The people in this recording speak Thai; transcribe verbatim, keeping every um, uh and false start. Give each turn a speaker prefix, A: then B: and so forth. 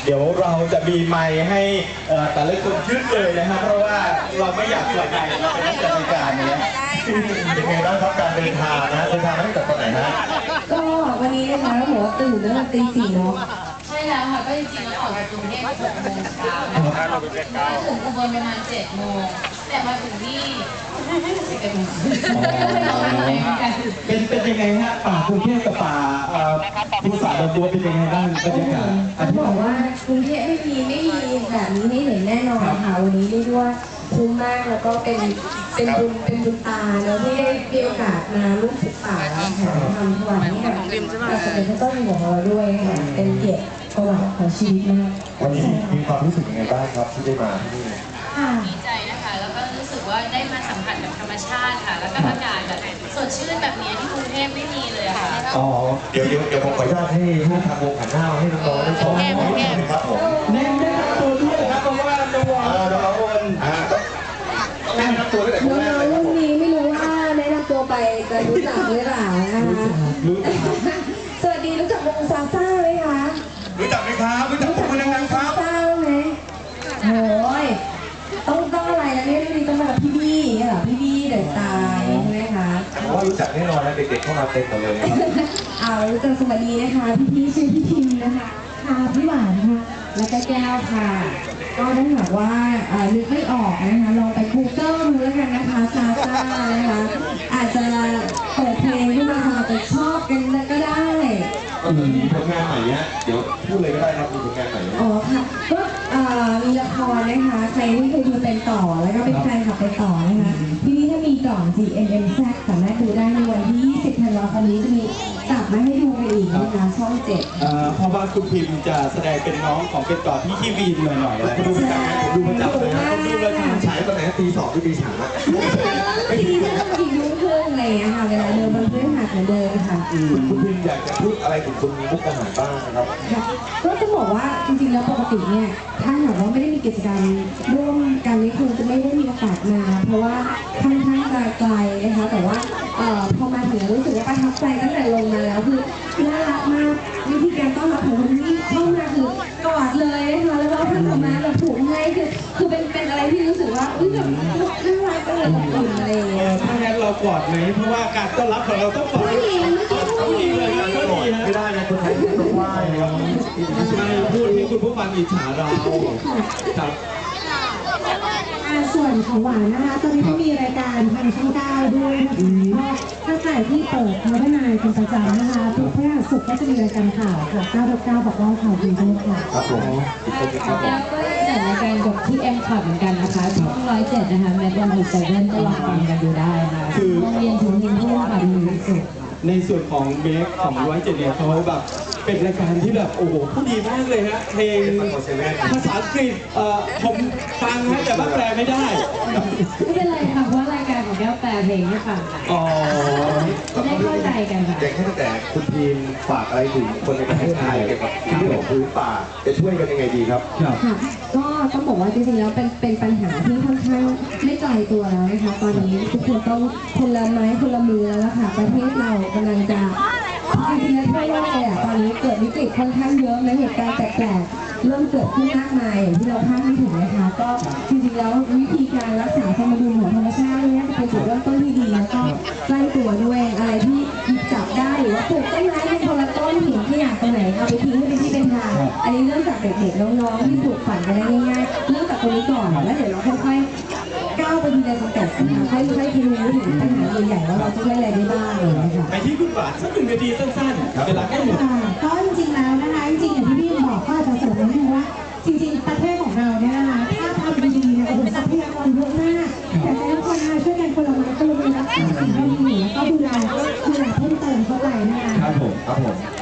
A: เดี๋ยวเราจะมีไมค์ให้แต่ละคนขึ้นเลยนะครับเพราะว่าเราไม่อยากเสียใจเราเป็นนักจัดรายการนี้
B: เป็นไงบ้างครับการเดินทางนะเดินทางมาตั้งแต่ตอนไหนฮะ
C: ก็วันนี้นะคะเราบอกว่าตื่นตั้งแต่ตีสี่เนาะ
D: ใช่แล้วค่ะก็จริงๆแล้วออกจากกรุงเทพหกโมงเช้านะคะมาถึงอุบลประมาณเจ็ดโมงแต่มาถึงนี่สิบเอ็ดโมง
A: เป็นเป็นยังไงฮะป่ากรุงเทพกับป่าภูสาดอนบัวเป็นยังไงบ้างบรรยากาศ
C: เขาบอกว่ากรุงเทพไม่มีไม่มีแบบนี้ให้เห็นแน่นอนค่ะวันนี้เรียกว่าคุ้มมากแล้วก็เป็นเป็นบุญเป็นบุญตาแล้วที่ได้มีโอกาสมาร่วมศึกษาแถมทำถวายให้กับพระสมเด็จพระเจ้าอยู่หัวของเราด้วยค่ะเป็นเกียรติประวัติของชีวิตมาก
B: วันนี้มีความรู้สึกยังไงบ้างครับที่ได้มาที่นี่
D: ดีใจนะคะแล้วก็รู้สึกว่าได้มาสัมผัสกับธรรมชาติค่ะแล้วก็อากาศแบบสดชื่นแบบนี้ที่กรุงเทพไม่มีเลยค่ะ
B: อ๋อเดี๋ยวเดี๋ยวเดี๋ยวผมขออนุญาตให้ให้ทางวงหันหน้าให้น้องๆได้ชมนะครับผม
A: แนะนำตัวด้วยครับเพราะว่าน้อง
B: น้องๆคนอ่าต้องแนะนำตัวตั้งแต่คนแรกเลย
C: น้องๆรุ่นนี้ไม่รู้ว่าแนะนำตัวไปจะรู้จักหรือเปล่านะคะสวัสดีรู้จักวงซาซ่าไหมคะ
B: รู้จักไหมครับรู้จักวงอะไรครับ
C: ซาซ่าไหมโอ้ยต้องต้องอะไรนะเนี่ยรุ่นนี้ต้องมากับพี่บี้เหรอพี่บี้เดอะสตาร์ใช่ไหมคะ
B: ผมว่ารู้จักแน่นอนนะเด็กๆเข้ามาเต็มหมดเลย
C: เอารู้จักสวัสดีนะคะพี่พี่ชื่อพี่พิมนะคะค่ะพี่หวานค่ะแล้วก็แก้วค่ะก็ถ้าหากว่านึกไม่ออกนะคะลองไป Google ดูแล้วกันนะคะซาซ่านะคะอาจจะเปิดเพลงขึ้นมาค่ะจะชอบกันก็ได้
B: ก็มีผลงานใหม่เนี้ยเดี๋ยวพูดเลยก็ได้ครับมีผลงานใหม่
C: อ๋อค่ะก็มีละครนะคะใครที่เคยดูเป็นต่อแล้วก็เป็นแฟนคลับเป็นต่อนะคะทีนี้ถ้ามีก่อน จี เอ็ม เอ็ม แซด สามารถดูได้ในวันที่ยี่สิบธันวาคมนี้จะมีกลับมาให้ดูกันอีกนะคะช่องเจ็ด
A: เพราะว่าคุณพิมจะแสดงเป็นน้องของเป็นต่อที่ที่วีนหน่อยๆแล้วดูประจำผมดูประจำเลยนะผมดูเลย
B: ฉายตอนไหนตีสองหรือตีสาม
C: ทีนี้ถ้าต้องอีกยุ่งเพิ่มอะไรอย่างเงี้ยค่ะเวลาเดินบนพื้นหาดเหมือนเดิมค่ะ
B: คุณพิมอยากจะพูดอะไรถึงคนมีมุกอาหารบ้างนะครับ
C: ก็จะบอกว่าจริงๆแล้วปกติเนี่ยถ้าหากว่าไม่ได้มีกิจกรรมร่วมกันนี้คงจะไม่ได้มีโอกาสมาเพราะว่าค่อนข้างจะไกลนะคะแต่ว่าพอมาถึงรู้สึกว่าประทับใจตั้งแต่ลงมาแล้วคือน่ารักมากวิธีการต้อนรับของคนที่เข้ามาคือกอดเลยนะคะแล้วก็ท่านออกมาแบบถูกให้คือคือเป็นเป็นอะไรที่รู้สึกว่าอุ้ยแบบน่ารักจังเลยอบอุ่นอะไรอย่างเงี้ย
A: ถ้างั้นเรากอดไหมเพราะว่าการต้อนรับของเราต้องกอด
C: ผู้หญิง
A: ผู้หญิงเลยก็ดีนะ
B: ไม่ได้นะคนไทยต้องไหว้ครับ
A: ไม่พูดให้คุณผู้ฟังอิจฉาเราครับ
C: ส่วนของหวานนะคะตอนนี้ก็มีรายการทางช่องเก้าด้วยนะคะตั้งแต่ที่เปิดพาวเวอร์ไนน์เป็นประจำนะคะทุกพฤหัสศุกร์ก็จะมีรายการข่าวค่ะเก้าเก้าบอกว่าข่าวดีด้วยค่ะ
B: ครับผม
D: แล้วก็จัดรายการกับที่เอ็มคอร์ดเหมือนกันนะคะช่องร้อยเจ็ดนะคะแมทวันหกเซเว่นก็ลองฟังกันดูได้ค่ะคือโรงเรียนถึงยินทุ่งค่ะมีสุด
A: ในส่วนของเบคของร้อยเจ็ดเนี่ยเขาแบบเป็นรายการที่แบบโอ้โหพูดดีมากเลยฮะเพลงภาษาอังกฤษเอ่อผมฟังนะแต่ว่าแปลไม่ได้
D: ไม่เป็นไรค่ะเพราะรายการของแก้วแปลเพลงให้ฟังค่ะอ๋อได้เข้าใจกันค่ะ
B: อย่างแค่แต่คุณทีมฝากอะไรถึงคนในประเทศไทยเกี่ยวกับเรื่องของพื้นป่าจะช่วยกันยังไงดีครับ
C: ค่ะก็ต้องบอกว่าจริงๆแล้วเป็นเป็นปัญหาที่ค่อนข้างไม่ไกลตัวแล้วนะคะตอนนี้ทุกคนต้องคนละไม้คนละมือแล้วค่ะประเทศเรากำลังจะจริงๆแล้วทั่วโลกเลยอ่ะตอนนี้เกิดวิกฤตค่อนข้างเยอะและเหตุการณ์แปลกๆเริ่มเกิดขึ้นมากมายอย่างที่เราคาดไม่ถึงนะคะก็จริงๆแล้ววิธีการรักษาสมดุลของธรรมชาติเนี่ยจะเป็นจุดเริ่มต้นที่ดีแล้วก็ใกล้ตัวด้วยอะไรที่หยิบจับได้หรือว่าปลูกต้นไม้ในคนละต้นหินที่อยากตรงไหนเอาไปทิ้งให้เป็นที่เป็นทางอันนี้เริ่มจากเด็กๆน้องๆที่ปลูกฝันกันได้ง่ายๆเริ่มจากตรงนี้ก่อนแล้วเดี๋ยวเราค่อยๆก้าวไปทีละสเต็ปนะคะค่อยๆทีรู้ถึงปัญหาใหญ่ๆว่าเราจะช่วยอะไรได้บ้างเลยนะคะ
A: ไปที่คุณหวานสักหนึ่งนาทีสั้นๆเวลาแค่หมด
C: ก็จริงๆแล้วนะคะจริงๆอย่างที่พี่บอกก็อาจจะเสริมนิดนึงว่าจริงๆประเทศของเราเนี่ยนะคะถ้าทำดีๆเนี่ยโอ้โหทรัพยากรเยอะมากแต่ทุกคนนะคะช่วยกันคนละไม้คนละมือรักษาสิ่งที่ดีแล้วก็ดูแลดูแลเพิ่มเติมเข้าไปนะคะ
B: ครับผมครับผม